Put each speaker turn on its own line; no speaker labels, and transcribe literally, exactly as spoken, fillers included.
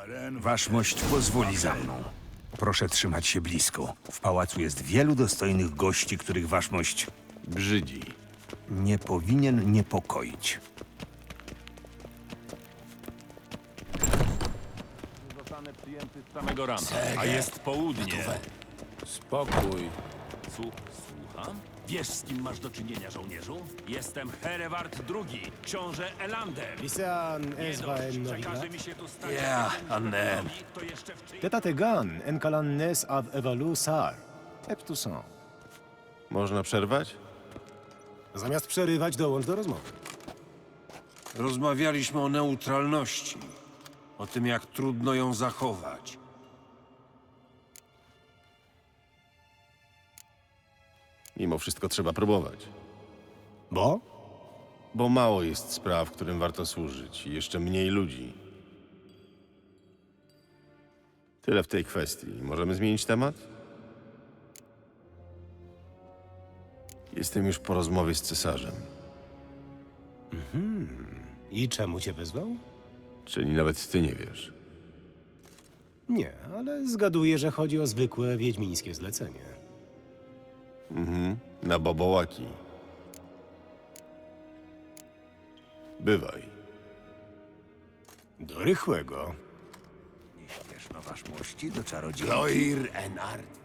Waszmość pozwoli za mną. Proszę trzymać się blisko. W pałacu jest wielu dostojnych gości, których waszmość
Brzydzi.
nie powinien niepokoić.
Zostanę przyjęty z samego rana, a jest południe.
Spokój.
Słu- Słucham? Wiesz, z kim masz do czynienia, żołnierzu? Jestem Hereward drugi, książę Elander.
Lisan
Nie
Ezvaen
dość, że każe
Novigrad.
mi się tu stać
Ja,
jedynym
Annen.
żołnierzowi, to jeszcze w czyim...
Tetategan Enkalan Nes av Evalu Sar. Eptuson.
Można przerwać?
Zamiast przerywać, dołącz do rozmowy.
Rozmawialiśmy o neutralności. O tym, jak trudno ją zachować.
Mimo wszystko trzeba próbować.
Bo?
Bo mało jest spraw, którym warto służyć i jeszcze mniej ludzi. Tyle w tej kwestii. Możemy zmienić temat? Jestem już po rozmowie z cesarzem.
I czemu cię wezwał?
Czyli nawet ty nie wiesz.
Nie, ale zgaduję, że chodzi o zwykłe wiedźmińskie zlecenie.
Na bobołaki. Bywaj.
Do rychłego.
Nie śpieszno waszmości do czarodziejki.
Loir Enard.